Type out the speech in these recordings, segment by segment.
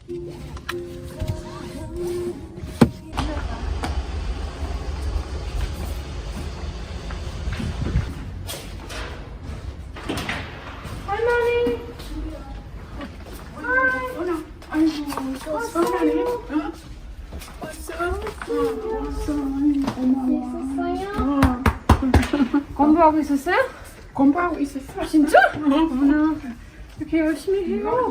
할머니. 있었어요? 공부하고 있었어요? 공부하고 있었어. 진짜? 어머나. 이렇게 열심히 해요.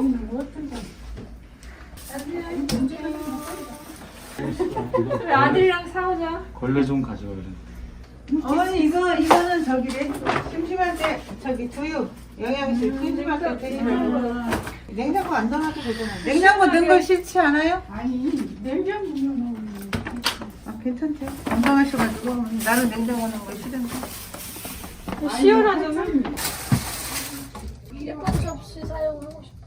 우리 아들이랑 싸우자. 걸레 좀 가져와 그래. 어머니 이거는 저기래. 심심할 때 저기 두유 영양실 심심할 때 드시면 냉장고 안 넣어도 되잖아요. 냉장고 넣은 거 싫지 않아요? 아니 냉장고 넣으면 아 괜찮대. 건강하셔가지고 나는 냉장고 넣은 거 싫은데. 시원하잖아. 예쁜 접시 사용하고 싶어.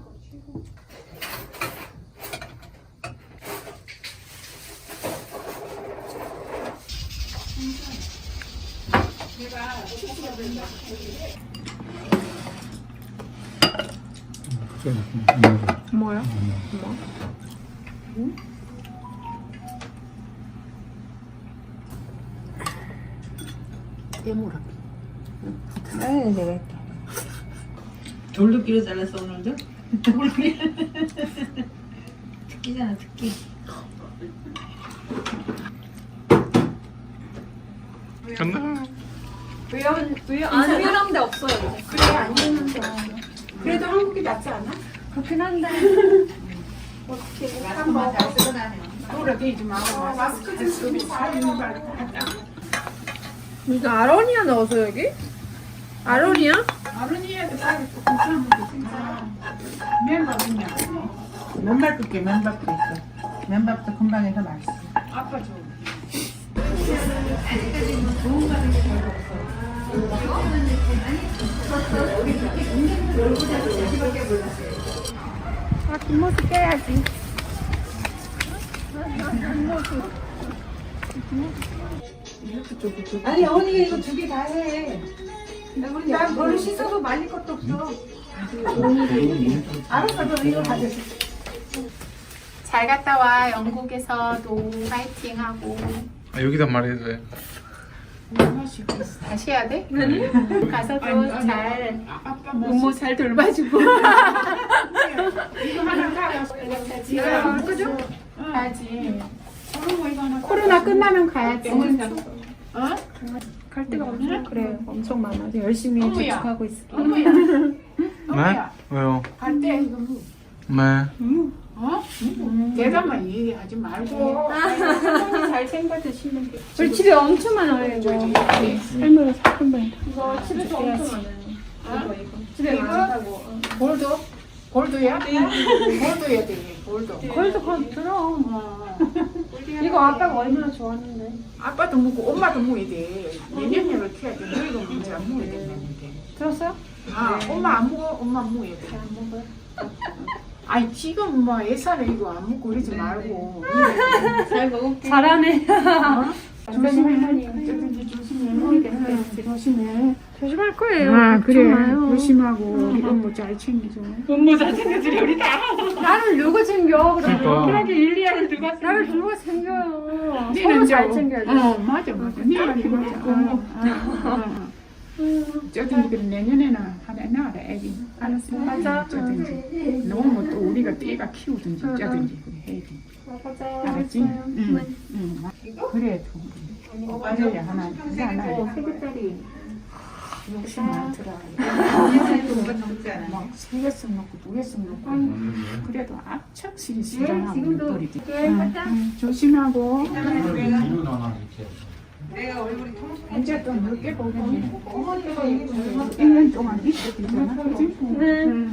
뭐야? 아유 내가 했다. 돌도끼로 잘랐어 오늘도? 특기잖아 특기. 간다. 안 위험한 데 없어요. 이제. 그래 안 되는데. 그래도 한국이 낫지 않아? 그렇긴 한데. 마스크만 잘 쓰고 다녀. 돌아다니지 말고 마스크 쓰고 잘 있는 거 알고 하자. 이거 아로니아 넣어서 여기? 아로니아? 아른이에도 쌀이 또 괜찮은데 진짜. 맨밥 그냥. 맨밥 끓게 맨밥도 있어. 맨밥도 금방 해서 맛있어. 아빠 줘. 아, 뒷모습 깨야지. 아니 어머니가 이거 두 개 다 해. 난 별로 씻어도 말릴 것도 없어. 알았어, 너 이거 가져줘. 잘 갔다 와. 영국에서도 파이팅하고. 아, 여기다 말해도 돼. 다시 해야 돼? 가서도 아니, 잘 아빠 부모 잘 돌봐주고. 이거 하나 가서 지금 그죠? 가야지. 그리고 이거 하나 코로나 끝나면 가야지. 어? 갈 데가 없네? 그래, 엄청 많아. 열심히 어머야. 저축하고 있을게. 어머야. 네? 어머야. 왜요? 갈때 이거 뭐? 네. 어? 대답만 얘기하지 말고. 잘 챙겨 드시면 돼. 우리 집에 엄청 많아요, 이거. 할머니 사건방이다. 이거 집에서 엄청 많아요. 집에 많다고. 볼도? 볼도야? 볼도야 돼. 볼도. 거기서 건 들어. 어. 이거 아빠가 얼마나 좋아하는데. 아빠도 먹고 엄마도 먹어야 돼. 내년을 키워야 돼. 너희도 먼저 안 먹어야 된다는데. 들었어요? 아, 엄마 안 먹어? 엄마 먹어야 돼. 안 먹어요. 아니 지금 뭐 예산에 이거 안 먹고 그러지 말고. 잘 먹을게. 잘하네. 조심해. 어쩌든지 조심해. 조심해. 조심할 거예요. 아 그래. 걱정 마요. 조심하고 이건 잘 챙겨줘. 업무 잘 챙겨주려 우리 다. 나를 누구 챙겨? 그러면. 그러니까. 그러게 일리아를 누가 챙겨? 나를 누가 챙겨요? 니는 서로 잘 이제 챙겨야 돼. 맞아. 네 말이 맞아. 어쩌든지 그럼 내년에는 하나 낳아라 애기. 알았어. 맞아. 어쩌든지. 너무 또 우리가 떼가 키우든지 어쩌든지 그래 해야지. 맞아요. 알았지? 응. 그래. 맞아야 하나. 하나. 세뱃살이. 욕심 많더라. 막 3개씩 넣고 2개씩 넣고. 그래도 악착실이 싫어하고 지금도 버리지. 네, 조심하고. 뒤로 나눠 이렇게. 이제 또 늦게 보겠네. 1년 동안 있어야 되잖아. 그지? 네.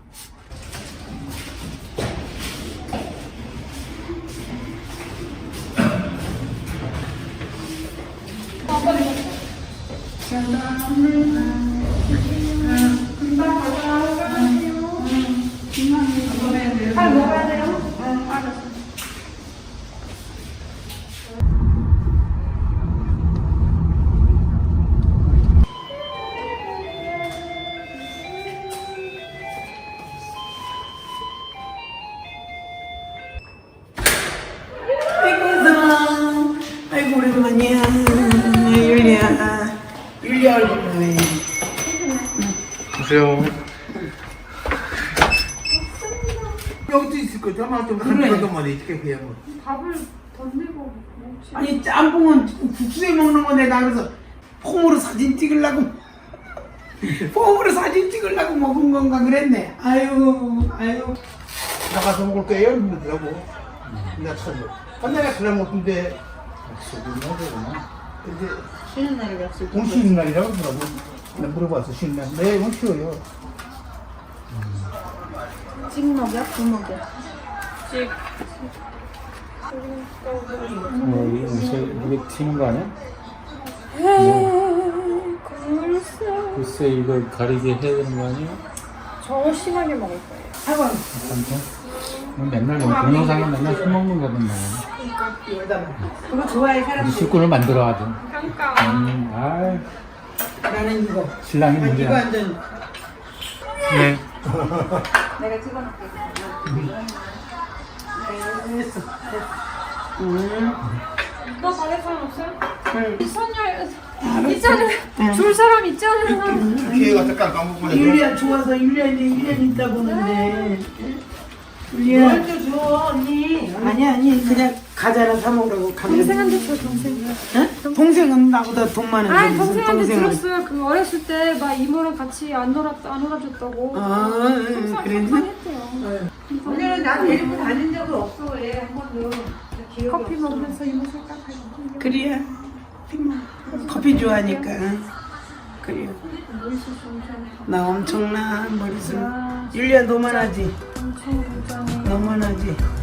잘 먹어야 돼요. 오랜만이야. 율리야 얼굴 보네. 보세요. 여기도 있을 거죠. 아마 좀 그런 말이 이렇게 그냥 뭐. 밥을 던지고 먹지. 아니 짬뽕은 국수에 먹는 건데 나 그래서 폼으로 사진 찍으려고 폼으로 사진 찍으려고 먹은 건가 그랬네. 아유 나가서 먹을 거예요 이러더라고. 나 참. 내가 그냥 먹는데 근데 쉬는 날에 약속. 오늘 쉬는 날이라고 그러더라고. 나 물어봤어 쉬는 날. 네 오늘 쉬어요. 찍먹이야? 부먹이야? 이게 튀는 거 아니야? 글쎄 이걸 가리게 해야 되는 거 아니야? 저 심하게 먹을 거예요. 맨날 동영상에 맨날 술 먹는 거든 그거 좋아해 사람. 술꾼을 만들어 하든. 그러니까. 아이 나는 이거. 신랑이 이거 문제야. 완전 네. 내가 찍어놓을게. 됐어. 너 받을 사람 없어요? 있잖아. 줄 사람 있잖아. 기회가 잠깐 까먹고 율리야 좋아서 율리야 이제 1년 있다 보는데. 율리야. 먼저 줘 언니. 아니 그냥 과자나 사 먹으라고 가면. 동생한테 줘 동생. 응? 동생은 나보다 돈 많은데. 아 무슨 동생한테 동생을. 들었어요. 그 어렸을 때 막 이모랑 같이 안 놀아줬다고. 아 그랬나? 속상했대요. 언니는 나 데리고 다닌 적은 없어 왜 한 번도. 커피 먹으면서 이모 생각하고. 그래야. 커피 좋아하니까. 그래요. 나 엄청나 머리숱. 율리야 너만하지. 엄청 부자네. 너만하지.